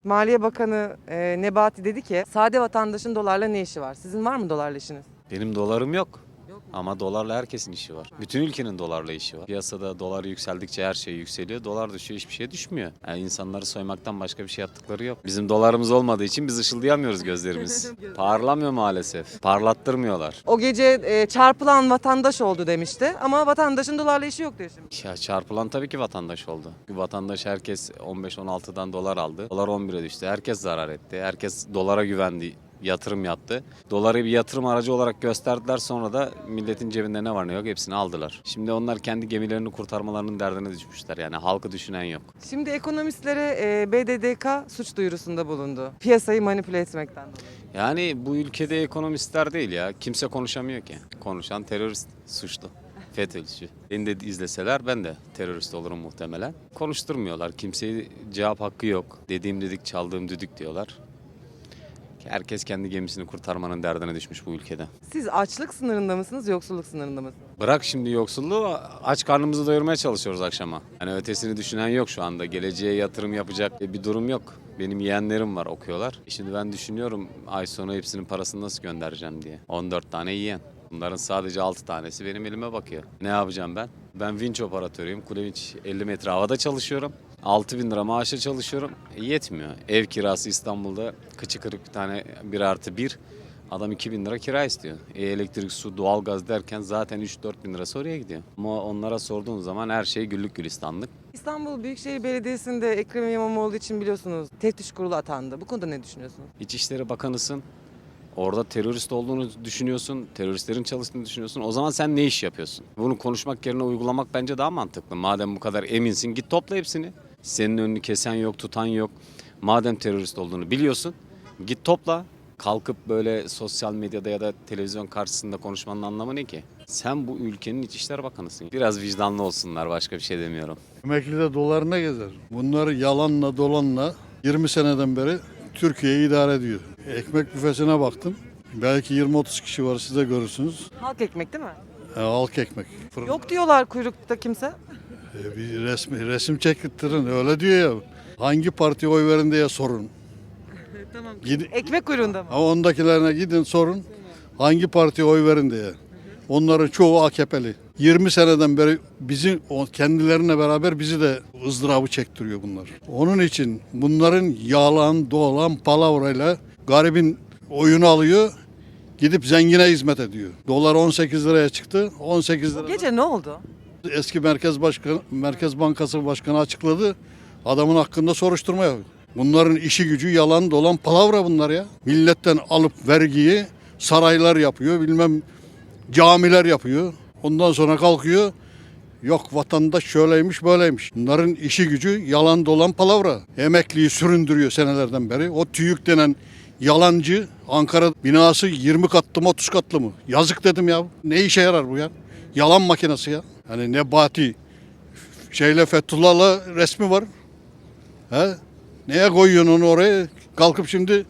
Maliye Bakanı Nebati dedi ki sade vatandaşın dolarla ne işi var? Sizin var mı dolarla işiniz? Benim dolarım yok. Ama dolarla herkesin işi var. Bütün ülkenin dolarla işi var. Piyasada dolar yükseldikçe her şey yükseliyor. Dolar düşüyor, hiçbir şey düşmüyor. Yani insanları soymaktan başka bir şey yaptıkları yok. Bizim dolarımız olmadığı için biz ışıldayamıyoruz gözlerimiz. Parlamıyor maalesef. Parlattırmıyorlar. O gece çarpılan vatandaş oldu demişti ama vatandaşın dolarla işi yok diyor şimdi. Ya çarpılan tabii ki vatandaş oldu. Vatandaş herkes 15-16'dan dolar aldı. Dolar 11'e düştü. Herkes zarar etti. Herkes dolara güvendi. Yatırım yaptı. Doları bir yatırım aracı olarak gösterdiler, sonra da milletin cebinde ne var ne yok hepsini aldılar. Şimdi onlar kendi gemilerini kurtarmalarının derdine düşmüşler, yani halkı düşünen yok. Şimdi ekonomistlere BDDK suç duyurusunda bulundu. Piyasayı manipüle etmekten dolayı. Yani bu ülkede ekonomistler değil ya, kimse konuşamıyor ki. Konuşan terörist, suçlu. FETÖ'cü. Beni de izleseler ben de terörist olurum muhtemelen. Konuşturmuyorlar. Kimseye cevap hakkı yok. Dediğim dedik, çaldığım düdük diyorlar. Herkes kendi gemisini kurtarmanın derdine düşmüş bu ülkede. Siz açlık sınırında mısınız, yoksulluk sınırında mısınız? Bırak şimdi yoksulluğu, aç karnımızı doyurmaya çalışıyoruz akşama. Yani ötesini düşünen yok şu anda. Geleceğe yatırım yapacak bir durum yok. Benim yeğenlerim var, okuyorlar. Şimdi ben düşünüyorum ay sonu hepsinin parasını nasıl göndereceğim diye. 14 tane yeğen. Bunların sadece 6 tanesi benim elime bakıyor. Ne yapacağım ben? Ben vinç operatörüyüm. Kule vinç 50 metre havada çalışıyorum. 6.000 lira maaşa çalışıyorum. Yetmiyor. Ev kirası İstanbul'da kıçı kırık bir tane 1+1. Adam 2.000 lira kira istiyor. Elektrik, su, doğalgaz derken zaten 3-4 bin lirası oraya gidiyor. Ama onlara sorduğun zaman her şey güllük gülistanlık. İstanbul Büyükşehir Belediyesi'nde Ekrem İmamoğlu için biliyorsunuz teftiş kurulu atandı. Bu konuda ne düşünüyorsunuz? İçişleri Bakanısın. Orada terörist olduğunu düşünüyorsun, teröristlerin çalıştığını düşünüyorsun. O zaman sen ne iş yapıyorsun? Bunu konuşmak yerine uygulamak bence daha mantıklı. Madem bu kadar eminsin, git topla hepsini. Senin önünü kesen yok, tutan yok. Madem terörist olduğunu biliyorsun, git topla. Kalkıp böyle sosyal medyada ya da televizyon karşısında konuşmanın anlamı ne ki? Sen bu ülkenin İçişleri Bakanısın. Biraz vicdanlı olsunlar, başka bir şey demiyorum. Emekli de dolarına gezer. Bunlar yalanla dolanla 20 seneden beri Türkiye'yi idare ediyor. Ekmek büfesine baktım. Belki 20-30 kişi var, siz de görürsünüz. Halk ekmek değil mi? Halk ekmek. Yok diyorlar kuyrukta kimse. Bir resim çektirin, öyle diyor ya. Hangi partiye oy verin diye sorun. Tamam. Gidin, Ekmek kuyruğunda mı? ama ondakilerine gidin sorun. Hangi partiye oy verin diye. Onların çoğu AKP'li. 20 seneden beri kendilerine beraber bizi de ızdırabı çektiriyor bunlar. Onun için bunların yalan, dolan, palavrayla garibin oyunu alıyor. Gidip zengine hizmet ediyor. Dolar 18 liraya çıktı. 18 lira. Gece ne oldu? Eski Merkez Bankası Başkanı açıkladı. Adamın hakkında soruşturma yapıyor. Bunların işi gücü yalan, dolan, palavra bunlar ya. Milletten alıp vergiyi saraylar yapıyor, bilmem camiler yapıyor. Ondan sonra kalkıyor. Yok vatandaş şöyleymiş böyleymiş. Bunların işi gücü yalan dolan palavra. Emekliyi süründürüyor senelerden beri. O TÜİK denen yalancı Ankara binası 20 katlı mı 30 katlı mı? Yazık dedim ya. Ne işe yarar bu ya? Yalan makinesi ya. Hani Nebati Fethullah'la resmi var. He? Neye koyuyorsun onu oraya? Kalkıp şimdi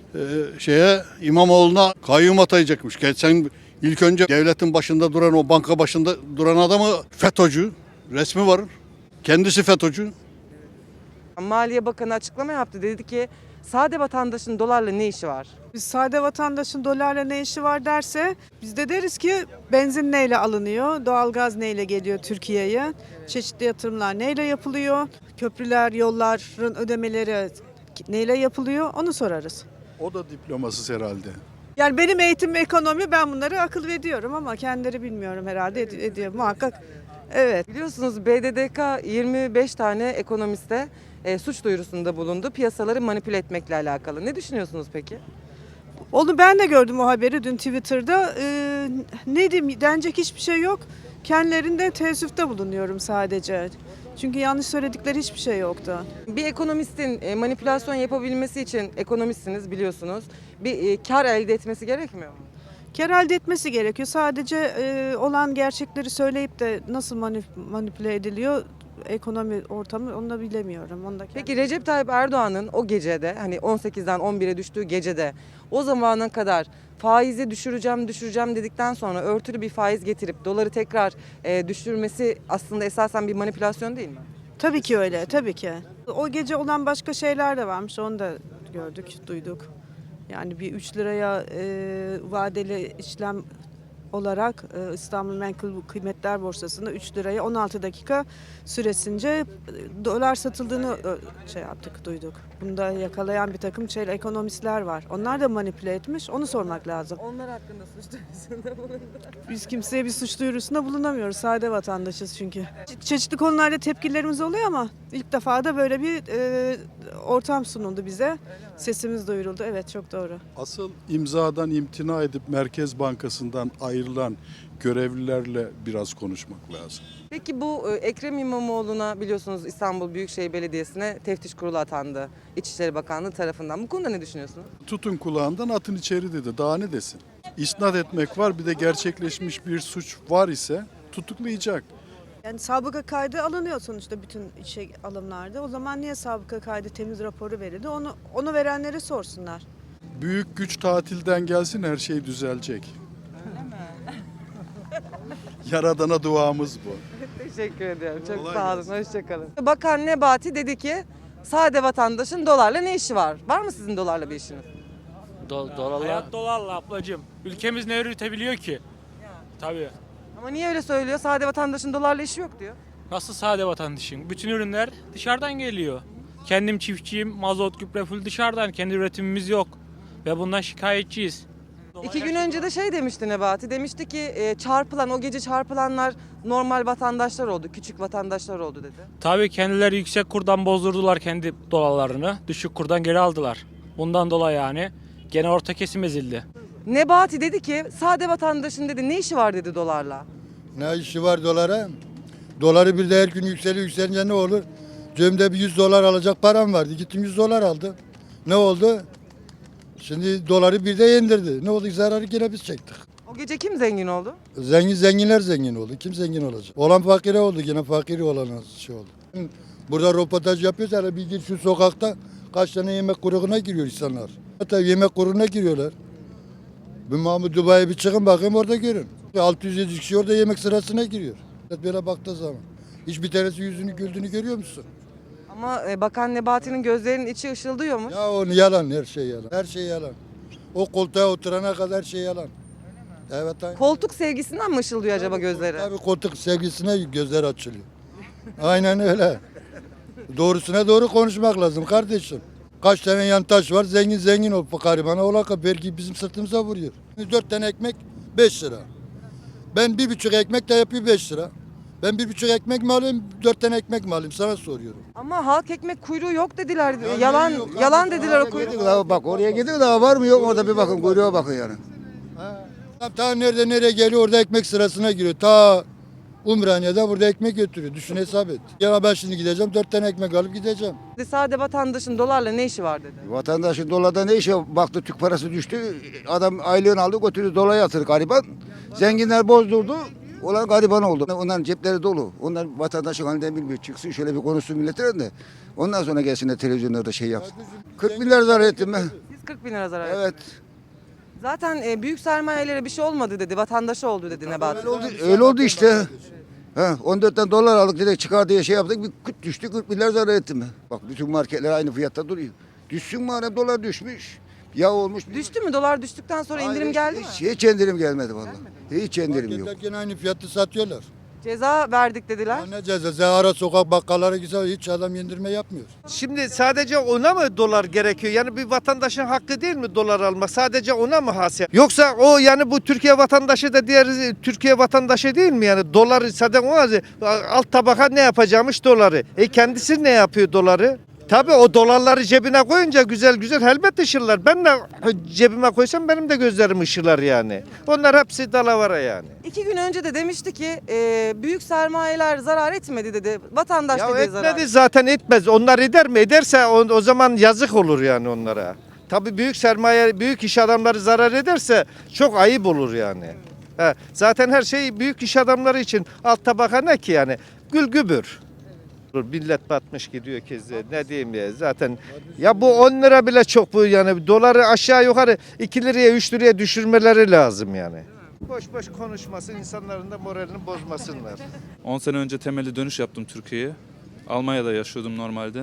İmamoğlu'na kayyum atayacakmış. Sen ilk önce devletin başında duran, o banka başında duran adamı FETÖ'cü resmi var. Kendisi FETÖ'cü. Maliye Bakanı açıklama yaptı. Dedi ki sade vatandaşın dolarla ne işi var? Biz sade vatandaşın dolarla ne işi var derse biz de deriz ki benzin neyle alınıyor, doğalgaz neyle geliyor Türkiye'ye, çeşitli yatırımlar neyle yapılıyor, köprüler, yolların ödemeleri neyle yapılıyor onu sorarız. O da diplomasız herhalde. Yani benim eğitim ve ekonomi ben bunları akıl ediyorum ama kendileri bilmiyorum herhalde ediyor muhakkak. Evet. Biliyorsunuz BDDK 25 tane ekonomiste suç duyurusunda bulundu. Piyasaları manipüle etmekle alakalı. Ne düşünüyorsunuz peki? Onu ben de gördüm o haberi dün Twitter'da. Ne diyeyim denecek hiçbir şey yok. Kendilerinde teessüfte bulunuyorum sadece. Çünkü yanlış söyledikleri hiçbir şey yoktu. Bir ekonomistin manipülasyon yapabilmesi için ekonomistsiniz biliyorsunuz. Bir kar elde etmesi gerekmiyor mu? Kar elde etmesi gerekiyor. Sadece olan gerçekleri söyleyip de nasıl manipüle ediliyor ekonomi ortamı onu da bilemiyorum. Onu da Peki Recep Tayyip Erdoğan'ın o gecede hani 18'den 11'e düştüğü gecede o zamana kadar faizi düşüreceğim dedikten sonra örtülü bir faiz getirip doları tekrar düşürmesi aslında esasen bir manipülasyon değil mi? Tabii ki öyle, tabii ki. O gece olan başka şeyler de varmış. Onu da gördük, duyduk. Yani bir 3 liraya vadeli işlem olarak İstanbul Menkul Kıymetler Borsası'nda 3 liraya 16 dakika süresince dolar satıldığını şey yaptık, duyduk. Bunu da yakalayan bir takım ekonomistler var. Onlar da manipüle etmiş. Onu sormak lazım. Onlar hakkında suç duyurusunda bulundu. Biz kimseye bir suç duyurusunda bulunamıyoruz. Sade vatandaşız çünkü. Çeşitli konularda tepkilerimiz oluyor ama ilk defa da böyle bir ortam sunuldu bize. Sesimiz duyuruldu. Evet, çok doğru. Asıl imzadan imtina edip Merkez Bankası'ndan ayrılan görevlilerle biraz konuşmak lazım. Peki bu Ekrem İmamoğlu'na biliyorsunuz İstanbul Büyükşehir Belediyesi'ne teftiş kurulu atandı İçişleri Bakanlığı tarafından. Bu konuda ne düşünüyorsunuz? Tutun kulağından atın içeri dedi. Daha ne desin? İsnat etmek var, bir de gerçekleşmiş bir suç var ise tutuklayacak. Yani sabıka kaydı alınıyor sonuçta bütün işe alımlarda. O zaman niye sabıka kaydı temiz raporu verildi? Onu verenlere sorsunlar. Büyük güç tatilden gelsin, her şey düzelecek. Yaradana duamız bu. Teşekkür ediyorum. Çok Kolay sağ olun. gelsin. Hoşçakalın. Bakan Nebati dedi ki sade vatandaşın dolarla ne işi var? Var mı sizin dolarla bir işiniz? Dolarla. Hayat dolarla ablacığım. Ülkemiz ne üretebiliyor ki? Tabii. Ama niye öyle söylüyor? Sade vatandaşın dolarla işi yok diyor. Nasıl sade vatandaşın? Bütün ürünler dışarıdan geliyor. Kendim çiftçiyim, mazot, gübre full dışarıdan. Kendi üretimimiz yok. Ve bundan şikayetçiyiz. 2 gün önce de şey demişti Nebati. Demişti ki o gece çarpılanlar normal vatandaşlar oldu. Küçük vatandaşlar oldu dedi. Tabii kendileri yüksek kurdan bozdurdular kendi dolarlarını. Düşük kurdan geri aldılar. Bundan dolayı yani gene orta kesim ezildi. Nebati dedi ki sade vatandaşın dedi ne işi var dedi dolarla. Ne işi var dolara? Doları bir de her gün yükselince ne olur? Cebimde bir 100 dolar alacak param vardı. Gittim 100 dolar aldım. Ne oldu? Şimdi doları bir de indirdi. Ne oldu? Zararı yine biz çektik. O gece kim zengin oldu? Zenginler zengin oldu. Kim zengin olacak? Olan fakire oldu. Yine fakiri olan şey oldu. Burada röportaj yapıyoruz. Hele bir gir şu sokakta kaç tane yemek kuyruğuna giriyor insanlar. Hatta yemek kuyruğuna giriyorlar. Bir Mahmut Dubai'ye bir çıkın bakayım orada görün. 600-700 kişi orada yemek sırasına giriyor. Böyle baktığı zaman. Hiçbir tanesi yüzünü güldüğünü görüyor musun? Ama Bakan Nebati'nin gözlerinin içi ışıldıyormuş. Ya o yalan, her şey yalan. Her şey yalan. O koltuğa oturana kadar her şey yalan. Evet aynen. Koltuk sevgisinden mi ışıldıyor acaba gözleri? Tabii koltuk sevgisine gözler açılıyor. Aynen öyle. Doğrusuna doğru konuşmak lazım kardeşim. Kaç tane yantaş var, zengin ol garibana ola ki belki bizim sırtımıza vuruyor. 4 tane ekmek 5 lira. Ben 1,5 ekmek de yapıyor 5 lira. Ben 1,5 ekmek mi alayım, 4 tane ekmek mi alayım sana soruyorum. Ama halk ekmek kuyruğu yok dediler. Ya Yalan ne yok yalan abi? dediler o Oraya kuyruk. gidiyor daha bak oraya gidiyor daha var mı yok mu orada bir bakın kuyruğa bakın yani. Ta nereye geliyor orada ekmek sırasına giriyor. Ta Umraniye'de burada ekmek götürüyor. Düşün hesap et. Ya ben şimdi gideceğim 4 tane ekmek alıp gideceğim. Sade vatandaşın dolarla ne işi var dedi. Vatandaşın dolarda ne işi baktı Türk parası düştü. Adam aylığını aldı götürdü dolara yatırdı gariban. Zenginler bozdurdu. Olan gariban oldu. Onların cepleri dolu. Onlar vatandaşın halinden bilmiyor. Çıksın şöyle bir konuşsun milletine de. Ondan sonra gelsin de televizyonlarda şey yapsın. 40 milyar zarar ettim ben. Siz 40 bin lira zarar ettiniz. Evet. Zaten büyük sermayelere bir şey olmadı dedi. Vatandaşı oldu dedi Nebati. Öyle oldu işte. Ha, 14'ten dolar aldık dedik çıkar diye şey yaptık. Bir küt düştü 40 milyar zarar ettim ben. Bak bütün marketler aynı fiyatta duruyor. Düşsün madem dolar düşmüş. Yağ olmuş. Düştü mü? Dolar düştükten sonra indirim Hayır, geldi mi? hiç indirim gelmedi vallahi. Hiç indirim yok. Marketler gene aynı fiyatı satıyorlar. Ceza verdik dediler. Ya ne cezası? Ara sokak bakkallara güzel hiç adam indirme yapmıyor. Şimdi sadece ona mı dolar gerekiyor? Yani bir vatandaşın hakkı değil mi dolar almak? Sadece ona mı has? Yoksa o yani bu Türkiye vatandaşı da diğer Türkiye vatandaşı değil mi? Yani doları sadece ona alt tabaka ne yapacakmış doları? Kendisi ne yapıyor doları? Tabii o dolarları cebine koyunca güzel güzel elbet ışırlar. Ben de cebime koysam benim de gözlerim ışırlar yani. Onlar hepsi dalavara yani. 2 gün önce de demişti ki büyük sermayeler zarar etmedi dedi. Vatandaş Ya dedi etmedi zarar. zaten etmez. Onlar eder mi? Ederse o zaman yazık olur yani onlara. Tabii büyük sermaye, büyük iş adamları zarar ederse çok ayıp olur yani. Zaten her şey büyük iş adamları için alt tabaka ne ki yani? Gülgübür. Millet batmış gidiyor keze. Ne diyeyim ya zaten. Ya bu 10 lira bile çok bu yani. Doları aşağı yukarı 2 liraya 3 liraya düşürmeleri lazım yani. Boş boş konuşmasın, insanların da moralini bozmasınlar. 10 sene önce temelli dönüş yaptım Türkiye'ye. Almanya'da yaşıyordum normalde.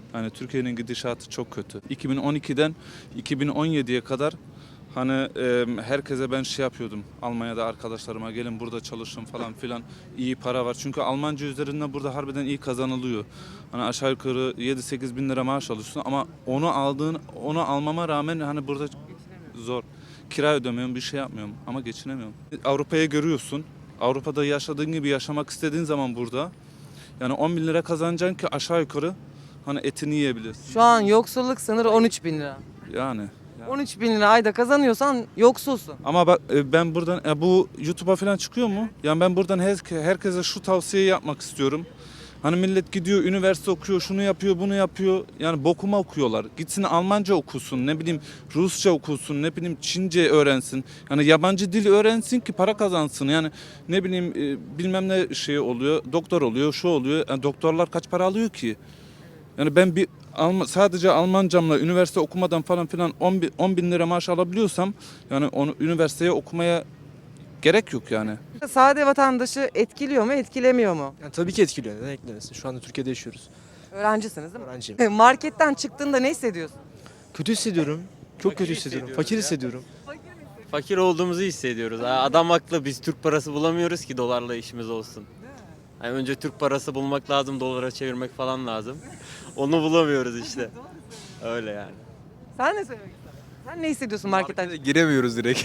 Yani Türkiye'nin gidişatı çok kötü. 2012'den 2017'ye kadar hani herkese ben şey yapıyordum. Almanya'da arkadaşlarıma gelin burada çalışın falan filan, iyi para var. Çünkü Almanca üzerinden burada harbiden iyi kazanılıyor. Hani aşağı yukarı 7-8 bin lira maaş alıyorsun ama onu almama rağmen hani burada zor. Kira ödemiyorum, bir şey yapmıyorum ama geçinemiyorum. Avrupa'yı görüyorsun. Avrupa'da yaşadığın gibi yaşamak istediğin zaman burada yani 10 bin lira kazanacaksın ki aşağı yukarı hani etini yiyebilirsin. Şu an yoksulluk sınırı 13 bin lira. Yani. 13 bin lira ayda kazanıyorsan yoksulsun. Ama bak ben buradan bu YouTube'a falan çıkıyor mu? Yani ben buradan herkese şu tavsiyeyi yapmak istiyorum. Hani millet gidiyor üniversite okuyor, şunu yapıyor, bunu yapıyor. Yani bokuma okuyorlar. Gitsin Almanca okusun, ne bileyim Rusça okusun, ne bileyim Çince öğrensin. Yani yabancı dil öğrensin ki para kazansın. Yani ne bileyim bilmem ne şey oluyor, doktor oluyor, şu oluyor. Yani doktorlar kaç para alıyor ki? Yani ben sadece Almancamla üniversite okumadan falan filan 10 bin lira maaş alabiliyorsam yani onu üniversiteye okumaya gerek yok yani. Sade vatandaşı etkiliyor mu, etkilemiyor mu? Yani tabii ki etkiliyor. Neden etkilemesin? Şu anda Türkiye'de yaşıyoruz. Öğrencisiniz değil mi? Öğrenciyim. Marketten çıktığında ne hissediyorsun? Kötü hissediyorum. Çok kötü hissediyorum. Fakir hissediyorum. Fakir olduğumuzu hissediyoruz. Adam haklı, biz Türk parası bulamıyoruz ki dolarla işimiz olsun. Yani önce Türk parası bulmak lazım, dolara çevirmek falan lazım. Onu bulamıyoruz işte. Öyle yani. Sen ne söylemek istersin? Sen ne hissediyorsun marketten? Giremiyoruz direkt.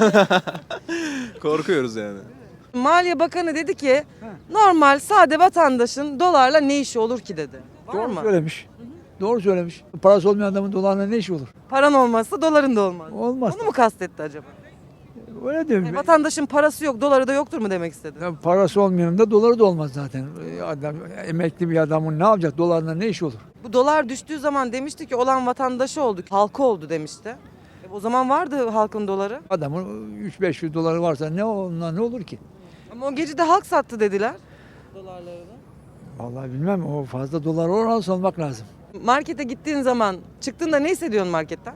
Korkuyoruz yani. Maliye Bakanı dedi ki normal sade vatandaşın dolarla ne işi olur ki dedi. Var Doğru mı? söylemiş. Doğru söylemiş. Parası olmayan adamın dolarla ne işi olur? Paran olmazsa doların da olmaz. Olmaz. Onu mu kastetti acaba? Öyle diyorum. Yani vatandaşın parası yok, doları da yoktur mu demek istedi? Ya parası olmayanın da doları da olmaz zaten. Adam, emekli bir adamın ne yapacak? Dolarla ne işi olur? Bu dolar düştüğü zaman demişti ki olan vatandaşı olduk, halkı oldu demişti. O zaman vardı halkın doları. Adamın 3-500 doları varsa ne onunla ne olur ki? Ama o gece de halk sattı dediler. Dolarlarını. Vallahi bilmem, o fazla dolar orası olmak lazım. Markete gittiğin zaman çıktığında ne hissediyorsun marketten?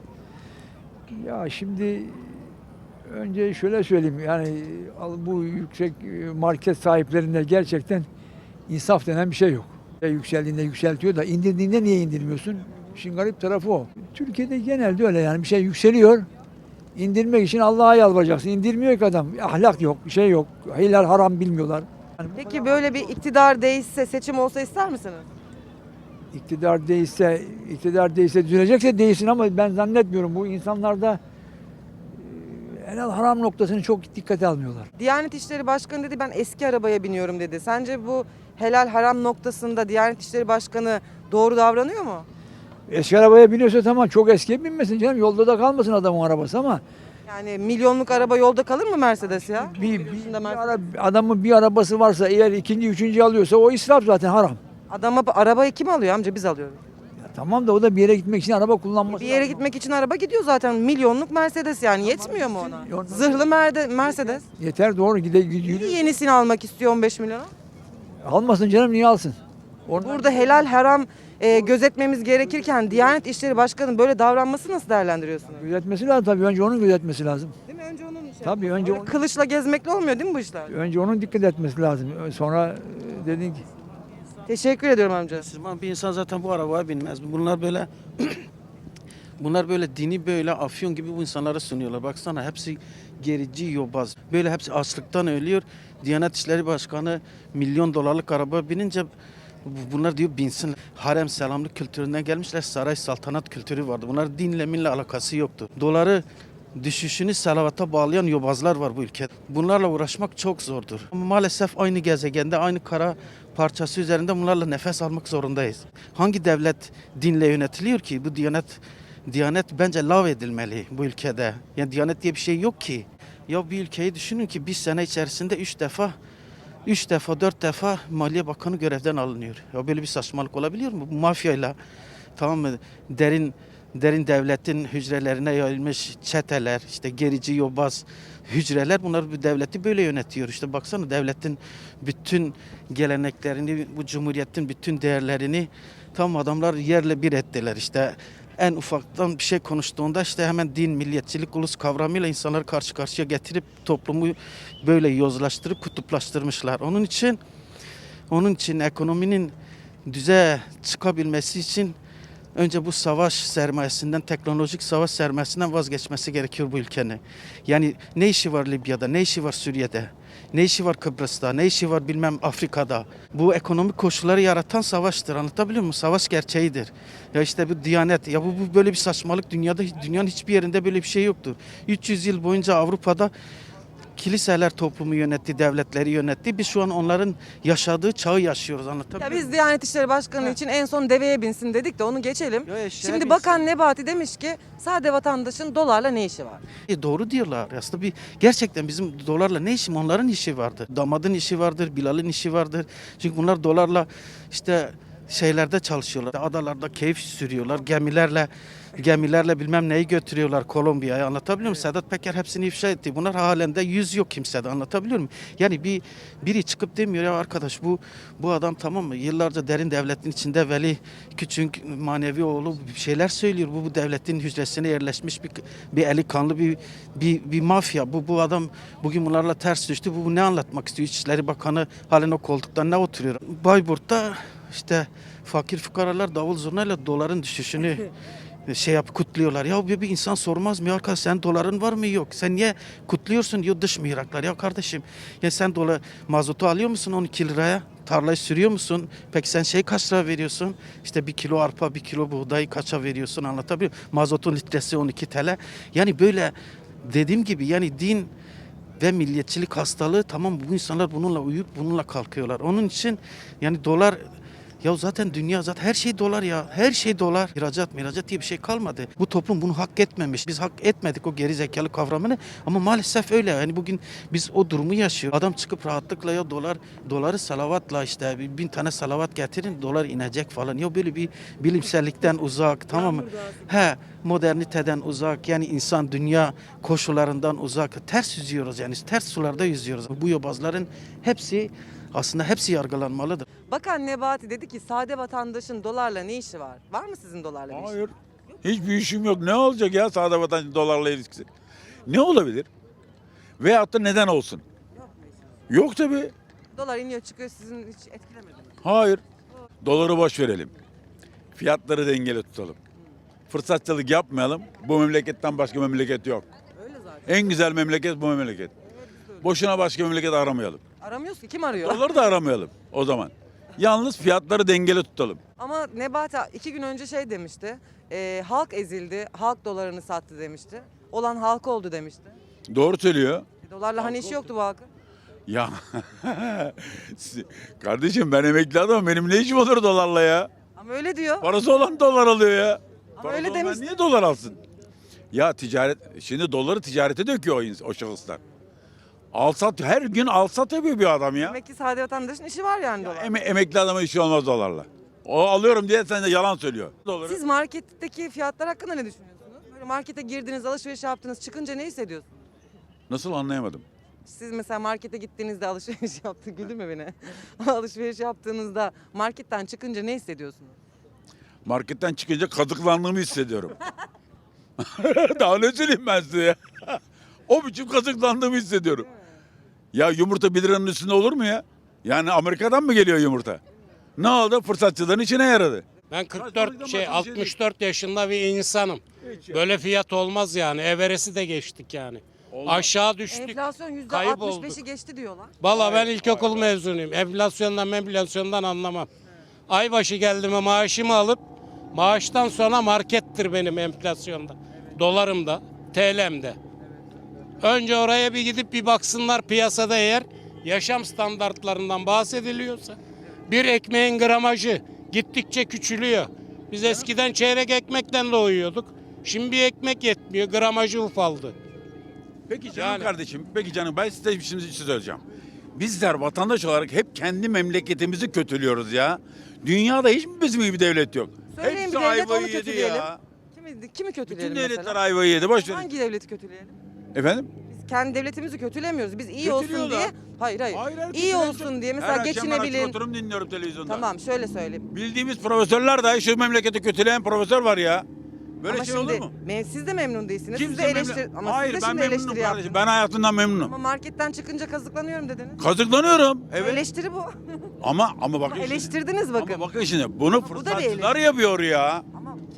Ya şimdi önce şöyle söyleyeyim, yani bu yüksek market sahiplerinde gerçekten insaf denen bir şey yok. Yükseldiğinde yükseltiyor da indirdiğinde niye indirmiyorsun? İşin garip tarafı o. Türkiye'de genelde öyle, yani bir şey yükseliyor. İndirmek için Allah'a yalvaracaksın. İndirmiyor ki adam. Ahlak yok, bir şey yok. Helal haram bilmiyorlar. Yani Peki böyle bir iktidar değişse, seçim olsa ister misiniz? iktidar değişse düzelecekse değilsin ama ben zannetmiyorum. Bu insanlarda helal haram noktasını çok dikkate almıyorlar. Diyanet İşleri Başkanı dedi ben eski arabaya biniyorum dedi. Sence bu helal haram noktasında Diyanet İşleri Başkanı doğru davranıyor mu? Eski arabaya biniyorsa tamam, çok eskiye binmesin canım. Yolda da kalmasın adamın arabası ama Yani milyonluk araba yolda kalır mı Mercedes ya? adamın bir arabası varsa, eğer ikinci, üçüncü alıyorsa o israf, zaten haram. Adama arabayı kim alıyor amca? Biz alıyoruz. Ya tamam da o da bir yere gitmek için araba kullanması Bir yere lazım. gitmek için araba gidiyor zaten. Milyonluk Mercedes yani yetmiyor mu ona? Yok. Zırhlı Mercedes. Yeter, doğru gidiyor. Niye yenisini almak istiyor 15 milyona? Almasın canım, niye alsın? Oradan Burada helal haram gözetmemiz gerekirken Diyanet İşleri Başkanı'nın böyle davranması nasıl değerlendiriyorsunuz? gözetmesi lazım tabii. Önce onun gözetmesi lazım. Değil mi? Önce onun Tabii önce Öyle kılıçla gezmekle olmuyor değil mi bu işler? önce onun dikkat etmesi lazım. Sonra dedin ki Teşekkür ediyorum amca. Müslüman bir insan zaten bu arabaya binmez. Bunlar böyle dini böyle afyon gibi bu insanlara sunuyorlar. Baksana hepsi gerici, yobaz. Böyle hepsi açlıktan ölüyor. Diyanet İşleri Başkanı milyon dolarlık araba binince bunlar diyor binsin. Harem selamlık kültüründen gelmişler. Saray saltanat kültürü vardı. Bunlar dinle minle alakası yoktu. Doları düşüşünü salavata bağlayan yobazlar var bu ülkede. Bunlarla uğraşmak çok zordur. Ama maalesef aynı gezegende, aynı kara parçası üzerinde bunlarla nefes almak zorundayız. Hangi devlet dinle yönetiliyor ki? Bu Diyanet bence lav edilmeli bu ülkede. Yani Diyanet diye bir şey yok ki. Ya bir ülkeyi düşünün ki bir sene içerisinde 3 defa 4 defa Maliye Bakanı görevden alınıyor. Ya böyle bir saçmalık olabiliyor mu? Bu mafyayla, tamam mı? Derin devletin hücrelerine yayılmış çeteler, işte gerici yobaz hücreler, bunlar bu devleti böyle yönetiyor. İşte baksana devletin bütün geleneklerini, bu cumhuriyetin bütün değerlerini tam adamlar yerle bir ettiler. İşte en ufaktan bir şey konuştuğunda işte hemen din, milliyetçilik, ulus kavramıyla insanları karşı karşıya getirip toplumu böyle yozlaştırıp kutuplaştırmışlar. Onun için ekonominin düze çıkabilmesi için önce bu savaş sermayesinden, teknolojik savaş sermayesinden vazgeçmesi gerekiyor bu ülkenin. Yani ne işi var Libya'da, ne işi var Suriye'de, ne işi var Kıbrıs'ta, ne işi var bilmem Afrika'da. Bu ekonomik koşulları yaratan savaştır. Anlatabiliyor muyum? Savaş gerçeğidir. Ya işte bu Diyanet, ya bu böyle bir saçmalık dünyanın hiçbir yerinde böyle bir şey yoktur. 300 yıl boyunca Avrupa'da kiliseler toplumu yönetti, devletleri yönetti. Biz şu an onların yaşadığı çağı yaşıyoruz. Anlatabiliyor Ya muyum? biz Diyanet İşleri Başkanı için en son deveye binsin dedik de onu geçelim. Ya eşeğe Şimdi binsin. Bakan Nebati demiş ki sade vatandaşın dolarla ne işi var? Doğru diyorlar. Aslında gerçekten bizim dolarla ne işim? Onların işi vardır. Damadın işi vardır, Bilal'in işi vardır. Çünkü bunlar dolarla işte şeylerde çalışıyorlar. Adalarda keyif sürüyorlar. Gemilerle bilmem neyi götürüyorlar Kolombiya'ya. Anlatabiliyor muyum? Sedat Peker hepsini ifşa etti. Bunlar halen de yüz yok kimsede. Anlatabiliyor muyum? Yani biri çıkıp demiyor ya arkadaş bu adam tamam mı? Yıllarca derin devletin içinde Veli Küçük manevi oğlu bir şeyler söylüyor. Bu devletin hücresine yerleşmiş bir eli kanlı bir mafya. Bu adam bugün bunlarla ters düştü. Bu ne anlatmak istiyor? İçişleri Bakanı halen o koltuktan ne oturuyor? Bayburt'ta işte fakir fukaralar davul zurnayla doların düşüşünü kutluyorlar. Ya bir insan sormaz mı ya arkadaş sen doların var mı yok? Sen niye kutluyorsun diyor dış mihraklar. Ya kardeşim ya sen mazotu alıyor musun 12 liraya? Tarlayı sürüyor musun? Peki sen kaç lira veriyorsun? İşte 1 kilo arpa, 1 kilo buğday kaça veriyorsun anlatabiliyor muyum? Mazotun litresi 12 TL. Yani böyle dediğim gibi yani din ve milliyetçilik hastalığı tamam bu insanlar bununla uyup bununla kalkıyorlar. Onun için yani dolar ya zaten dünya her şey dolar ya. Her şey dolar. İhracat diye bir şey kalmadı. Bu toplum bunu hak etmemiş. Biz hak etmedik o geri zekalı kavramını ama maalesef öyle. Yani bugün biz o durumu yaşıyoruz. Adam çıkıp rahatlıkla ya doları salavatla işte 1000 tane salavat getirin dolar inecek falan. Ya böyle bir bilimsellikten uzak tamam mı? Moderniteden uzak yani insan dünya koşullarından uzak. Ters yüzüyoruz yani ters sularda yüzüyoruz. Bu yobazların hepsi yargılanmalıdır. Bakan Nebati dedi ki sade vatandaşın dolarla ne işi var? Var mı sizin dolarla bir işi? Hayır. Hiçbir işim yok. Ne olacak ya sade vatandaş dolarla ilgisi? Ne olabilir? Veyahut da neden olsun? Yok tabii. Dolar iniyor çıkıyor sizin hiç etkilemedi mi? Hayır. Doları boş verelim. Fiyatları dengeli tutalım. Fırsatçılık yapmayalım. Bu memleketten başka memleket yok. Öyle zaten. En güzel memleket bu memleket. Boşuna başka memleket aramayalım. Aramıyoruz ki kim arıyor? Doları da aramayalım o zaman. Yalnız fiyatları dengeli tutalım. Ama Nebati 2 gün önce demişti. Halk ezildi, halk dolarını sattı demişti. Olan halk oldu demişti. Doğru söylüyor. Dolarla hani işi yoktu bu halkın. Ya kardeşim ben emekli adamım. Benim ne işim olur dolarla ya? Ama öyle diyor. Parası olan dolar alıyor ya. Ama Parası öyle olmayan demiş. niye dolar alsın? Ya şimdi doları ticarete döküyor o şahıslar. Alsat her gün alsat yapıyor bir adam ya. Demek ki sade vatandaşın işi var yani dolar. Emekli adama işi olmaz dolarla. O alıyorum diye sen de yalan söylüyor. Doları. Siz marketteki fiyatlar hakkında ne düşünüyorsunuz? Böyle markete girdiniz, alışveriş yaptınız, çıkınca ne hissediyorsunuz? Nasıl anlayamadım. Siz mesela markete gittiğinizde alışveriş güldürme beni. Alışveriş yaptığınızda marketten çıkınca ne hissediyorsunuz? Marketten çıkınca kazıklandığımı hissediyorum. Daha ne söyleyeyim ben size ya? O biçim kazıklandığımı hissediyorum. Ya yumurta 1 liranın üstünde olur mu ya? Yani Amerika'dan mı geliyor yumurta? Ne oldu? Fırsatçıların içine yaradı. Ben 64 yaşında bir insanım. Böyle fiyat olmaz yani. Everest'i de geçtik yani. Aşağı düştük. Enflasyon kayıp %65'i geçti diyorlar. Valla ben ilkokul mezunuyum. Enflasyondan anlamam. Aybaşı geldi mi maaşımı alıp maaştan sonra markettir benim enflasyonda. Dolarımda, TL'mde. Önce oraya bir gidip bir baksınlar piyasada eğer yaşam standartlarından bahsediliyorsa bir ekmeğin gramajı gittikçe küçülüyor. Biz eskiden çeyrek ekmekten doyuyorduk. Şimdi bir ekmek yetmiyor, gramajı ufaldı. Peki canım kardeşim, peki canım ben size şimdi bir şey söyleyeceğim. Bizler vatandaş olarak hep kendi memleketimizi kötülüyoruz ya. Dünyada hiç mi bizim gibi bir devlet yok? Söyleyin Hepsi bir devlet onu ayvayı yedi kötüleyelim. ya. Kimi kötüleyelim Bütün devletler mesela? ayvayı yedi. Boş verin. Hangi devleti kötüleyelim? Efendim? Biz kendi devletimizi kötülemiyoruz. Biz iyi olsun Kötülüyorlar. diye. Hayır. İyi kötüleyen olsun çok- diye mesela Her akşam ben açıp geçinebilin. oturup dinliyorum televizyonda. Tamam şöyle söyleyeyim. Bildiğimiz profesörler dahi şu memleketi kötüleyen profesör var ya. Böyle Ama şey şimdi olur mu? siz de memnun değilsiniz. Kimse siz de eleştir memnun- ama Hayır siz de ben şimdi memnunum eleştiri kardeşim. yaptınız. Ben hayatımdan memnunum. Ama marketten çıkınca kazıklanıyorum dediniz. Kazıklanıyorum. Evet. Eleştiri bu. Ama bakın. Eleştirdiniz bakın. Ama bakın şimdi bunu bu da bir fırsatçılar yapıyor ya. Ama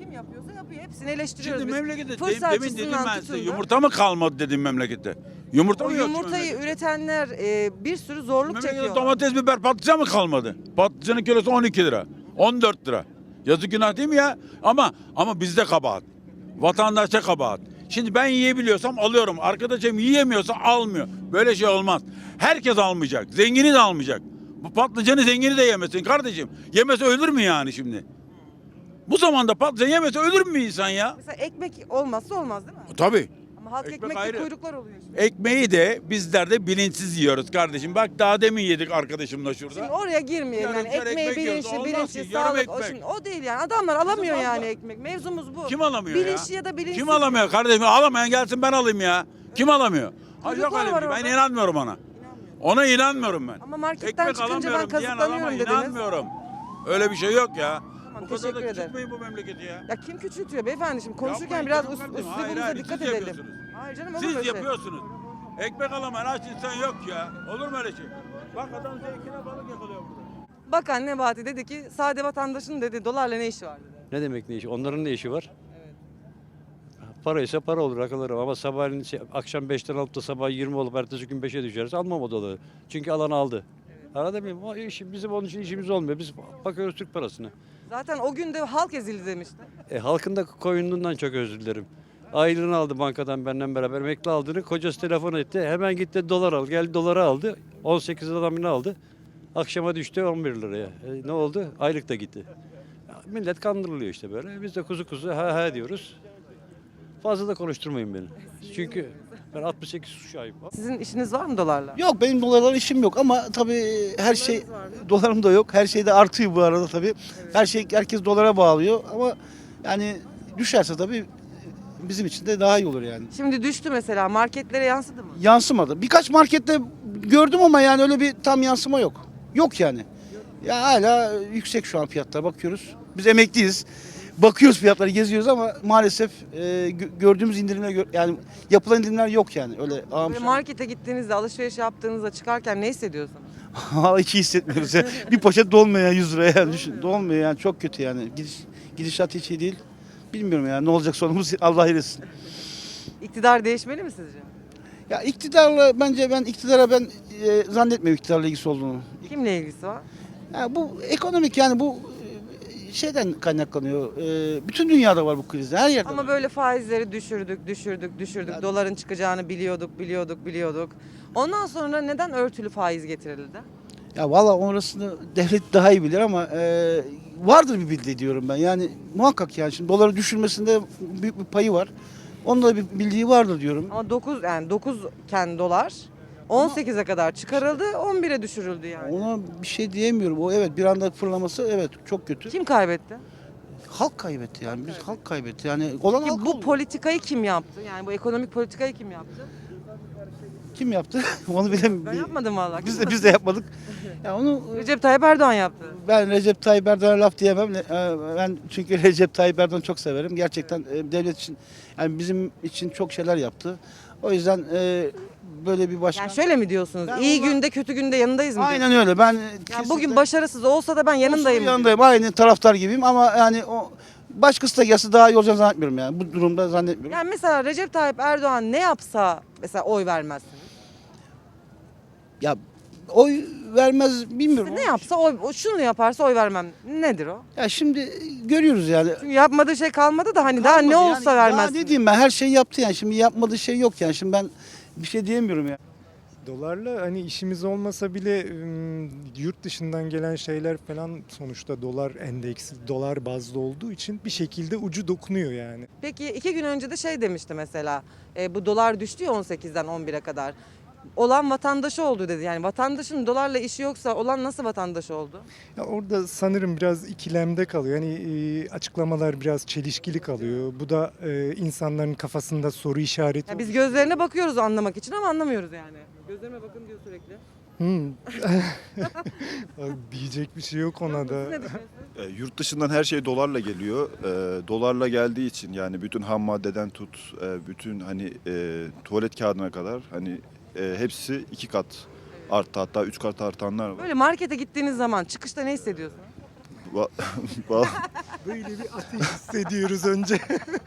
hepsini eleştiriyoruz Şimdi biz. memlekette Fırs demin dedim açısından ben tutun size da. yumurta mı kalmadı dedim memlekette. Yumurta O mı yok şu yumurtayı memlekette? üretenler bir sürü zorluk Memlekette çekiyor. domates, biber, patlıcan mı kalmadı? Patlıcanın kilosu 12 lira. 14 lira. Yazık günah değil mi ya? Ama bizde kabahat. Vatandaşta kabahat. Şimdi ben yiyebiliyorsam alıyorum. Arkadaşım yiyemiyorsa almıyor. Böyle şey olmaz. Herkes almayacak. Zengini de almayacak. Bu patlıcanı zengini de yemesin kardeşim. Yemese ölür mü yani şimdi? Bu zamanda patlıcan yemese ölür mü insan ya? Mesela ekmek olmazsa olmaz değil mi? Tabii. Ama halk Ekmek ekmekte ayrı. kuyruklar oluyor şimdi. Ekmeği de bizler de bilinçsiz yiyoruz kardeşim. Bak daha demin yedik arkadaşımla şurada. Şimdi oraya girmeyelim Yarım yani kere ekmeği ekmek yiyoruz. bilinçli, Olmaz bilinçli, ki, yarım sağlık o, ekmek. şimdi, o değil yani. Adamlar alamıyor Bizim yani abla. ekmek. Mevzumuz bu. Kim alamıyor Bilinçli ya? ya da bilinçsiz. Kim alamıyor kardeşim? Alamayan gelsin ben alayım ya. Kim alamıyor? Ha, yok Çocuklar öyle bir var şey. Ben orada. inanmıyorum ona. Ona inanmıyorum ben. Ama marketten Ekmek çıkınca ben alamıyorum diyen adama kazıklanıyorum dediniz. inanmıyorum. Öyle bir şey yok ya. Tamam, Bu kadar teşekkür da ederim. küçültmeyin bu memleketi ya. Ya kim küçültüyor beyefendi şimdi konuşurken Yapmayın biraz canım kardeşim. Hayır, üslubumuza hayır, dikkat siz edelim. yapıyorsunuz. Hayır canım olur Siz böyle şey. yapıyorsunuz. Ekmek alamayan aç insan yok ya. Olur mu öyle şey? Bak adam zevkine balık yakalıyor burada. Bakan Nebati dedi ki sade vatandaşın dedi dolarla ne işi var dedi. Ne demek ne işi? Onların ne işi var? Para ise para olur akıllarım ama sabahleyin akşam 5'ten alıp da sabah 20 olup ertesi gün 5'e düşeriz almam o doları. Çünkü alan aldı. Anladın mı? O işi, bizim onun için işimiz olmuyor. Biz bakıyoruz Türk parasına. Zaten o gün de halk ezildi demişti. Halkın da koyunluğundan çok özür dilerim. Aylığını aldı bankadan benimle beraber emekli aldığını kocası telefon etti. Hemen gitti dolar al. Geldi doları aldı. 18 adamını aldı. Akşama düştü 11 liraya. Ne oldu? Aylık da gitti. Ya, millet kandırılıyor işte böyle. Biz de kuzu kuzu ha diyoruz. Fazla da konuşturmayın beni. Çünkü ben 68 kuşağıyım. Sizin işiniz var mı dolarla? Yok benim dolarla işim yok ama tabii her şey dolarım da yok. Her şey de artıyor bu arada tabii. Herkes dolara bağlıyor ama yani düşerse tabii bizim için de daha iyi olur yani. Şimdi düştü mesela marketlere yansıdı mı? Yansımadı. Birkaç markette gördüm ama yani öyle bir tam yansıma yok. Yok yani. Ya hala yüksek şu an fiyatlar bakıyoruz. Biz emekliyiz. Bakıyoruz fiyatları geziyoruz ama maalesef gördüğümüz indirimler yani yapılan indirimler yok yani öyle Böyle markete gittiğinizde alışveriş yaptığınızda çıkarken ne hissediyorsunuz? hiç iyi hissetmiyoruz ya. Bir poşet dolmuyor ya 100 liraya yani düşün. Dolmuyor yani çok kötü yani. Gidişat hiç iyi değil. Bilmiyorum ya ne olacak sonumuz Allah eylesin. İktidar değişmeli mi sizce? Ya iktidarla bence ben zannetmiyorum iktidarla ilgisi olduğunu. Kimle ilgisi var? Ya bu ekonomik yani bu şeyden kaynaklanıyor. Bütün dünyada var bu kriz. Her yerde. Ama var. böyle faizleri düşürdük. Doların çıkacağını biliyorduk. Ondan sonra neden örtülü faiz getirildi? Ya valla orasını devlet daha iyi bilir ama vardır bir bildiği diyorum ben. Yani muhakkak yani şimdi doları düşürmesinde büyük bir payı var. Onun da bir bildiği vardır diyorum. Ama 9 iken dolar 18'e kadar çıkarıldı, 11'e düşürüldü yani. Ona bir şey diyemiyorum. O evet bir anda fırlaması evet çok kötü. Kim kaybetti? Halk kaybetti yani. Biz halk kaybetti. Yani olan Ki halk bu oldu. politikayı kim yaptı? Yani bu ekonomik politikayı kim yaptı? Kim yaptı? Onu bilemiyorum. Ben yapmadım vallahi. Biz de yapmadık. Ya onu Recep Tayyip Erdoğan yaptı. ben Recep Tayyip Erdoğan'a laf diyemem. Ben çünkü Recep Tayyip Erdoğan'ı çok severim. Gerçekten devlet için yani bizim için çok şeyler yaptı. O yüzden böyle bir başkan. Yani şöyle mi diyorsunuz? Ben İyi ona- günde kötü günde yanındayız mı? Aynen öyle. Ben Yani bugün başarısız olsa da ben yanındayım. yanındayım. Aynı taraftar gibiyim ama yani o başkası da gelse daha iyi olacağını zannetmiyorum yani. Bu durumda zannetmiyorum. Yani mesela Recep Tayyip Erdoğan ne yapsa mesela oy vermezsiniz. Ya oy vermez bilmiyorum. Ne yapsa şunu yaparsa oy vermem. Nedir o? Ya şimdi görüyoruz yani. Çünkü yapmadığı şey kalmadı da hani daha ne Kalmadı olsa yani. vermezsiniz. Daha ne diyeyim ben her şeyi yaptı yani. Şimdi yapmadığı şey yok yani. Şimdi ben bir şey diyemiyorum ya. Dolarla hani işimiz olmasa bile yurt dışından gelen şeyler falan sonuçta dolar endeksi, dolar bazlı olduğu için bir şekilde ucu dokunuyor yani. Peki 2 gün önce de şey demişti mesela bu dolar düştü ya 18'den 11'e kadar. Olan vatandaşı oldu dedi. Yani vatandaşın dolarla işi yoksa olan nasıl vatandaş oldu? Ya orada sanırım biraz ikilemde kalıyor. Yani açıklamalar biraz çelişkili kalıyor. Bu da insanların kafasında soru işareti. Ya biz gözlerine bakıyoruz anlamak için ama anlamıyoruz yani. Gözlerime bakın diyor sürekli. Diyecek bir şey yok ona da. Yurt dışından her şey dolarla geliyor. Dolarla geldiği için yani bütün ham maddeden tut, bütün hani tuvalet kağıdına kadar hani hepsi 2 kat arttı hatta 3 kat artanlar var. Böyle markete gittiğiniz zaman çıkışta ne hissediyorsunuz? Böyle bir ateş hissediyoruz önce.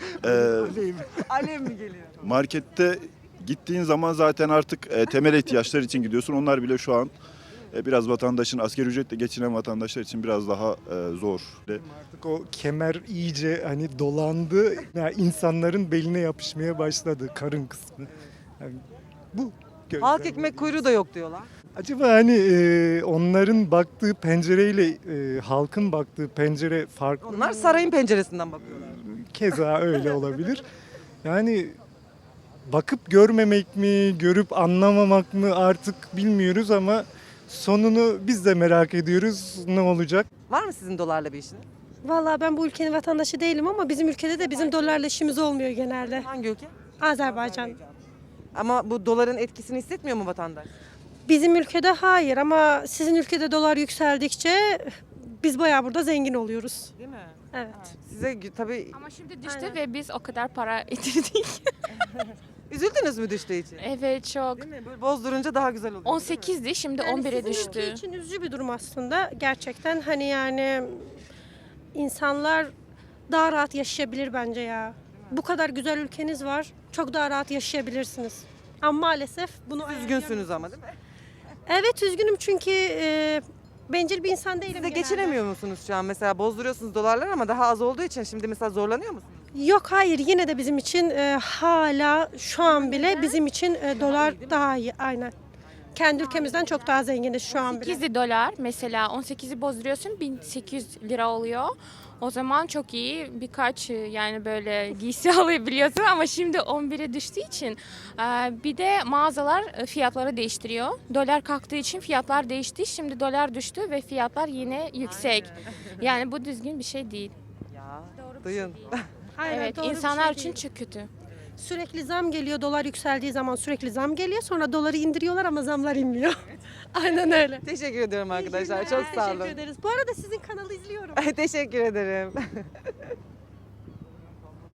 Alev. Alev mi geliyor? Markette gittiğin zaman zaten artık temel ihtiyaçlar için gidiyorsun. Onlar bile şu an biraz vatandaşın, asgari ücretle geçinen vatandaşlar için biraz daha zor. Artık o kemer iyice hani dolandı. Yani insanların beline yapışmaya başladı karın kısmı. Yani bu Halk ekmek kuyruğu da yok diyorlar. Acaba hani onların baktığı pencereyle halkın baktığı pencere farklı Onlar mı? sarayın penceresinden bakıyorlar. Keza öyle olabilir. Yani bakıp görmemek mi, görüp anlamamak mı artık bilmiyoruz ama sonunu biz de merak ediyoruz. Ne olacak? Var mı sizin dolarla bir işiniz? Vallahi ben bu ülkenin vatandaşı değilim ama bizim ülkede de bizim dolarla işimiz olmuyor genelde. Hangi ülke? Azerbaycan. Ama bu doların etkisini hissetmiyor mu vatandaş? Bizim ülkede hayır ama sizin ülkede dolar yükseldikçe biz bayağı burada zengin oluyoruz. Değil mi? Evet. Size tabii Ama şimdi düştü Aynen. ve biz o kadar para getirdik. üzüldünüz mü düştüğü için? Evet çok. Değil mi? Böyle bozdurunca daha güzel oluyor. 18'di şimdi Yani 11'e sizin düştü. ülke için üzücü bir durum aslında. Gerçekten hani yani insanlar daha rahat yaşayabilir bence ya. Bu kadar güzel ülkeniz var. Çok daha rahat yaşayabilirsiniz. Ama maalesef bunu Üzgünsünüz ama değil mi? Evet üzgünüm çünkü bencil bir insan değilim Siz de genelde. geçinemiyor musunuz şu an? Mesela bozduruyorsunuz dolarlar ama daha az olduğu için şimdi mesela zorlanıyor musunuz? Yok hayır yine de bizim için hala şu an bile bizim için dolar daha iyi aynen. Kendi ülkemizden çok daha zenginiz şu an bile. 8'i dolar mesela 18'i bozduruyorsun 1800 lira oluyor. O zaman çok iyi birkaç yani böyle giysi alabiliyorsun ama şimdi 11'e düştüğü için bir de mağazalar fiyatları değiştiriyor. Dolar kalktığı için fiyatlar değişti. Şimdi dolar düştü ve fiyatlar yine yüksek. Yani bu düzgün bir şey değil. Ya duyun. Aynen, Evet doğru bir insanlar şey için değil. çok kötü. Sürekli zam geliyor, dolar yükseldiği zaman sürekli zam geliyor. Sonra doları indiriyorlar ama zamlar inmiyor. Aynen öyle. Teşekkür ediyorum arkadaşlar. Çok sağ olun. Teşekkür ederiz. Bu arada sizin kanalı izliyorum. Teşekkür ederim.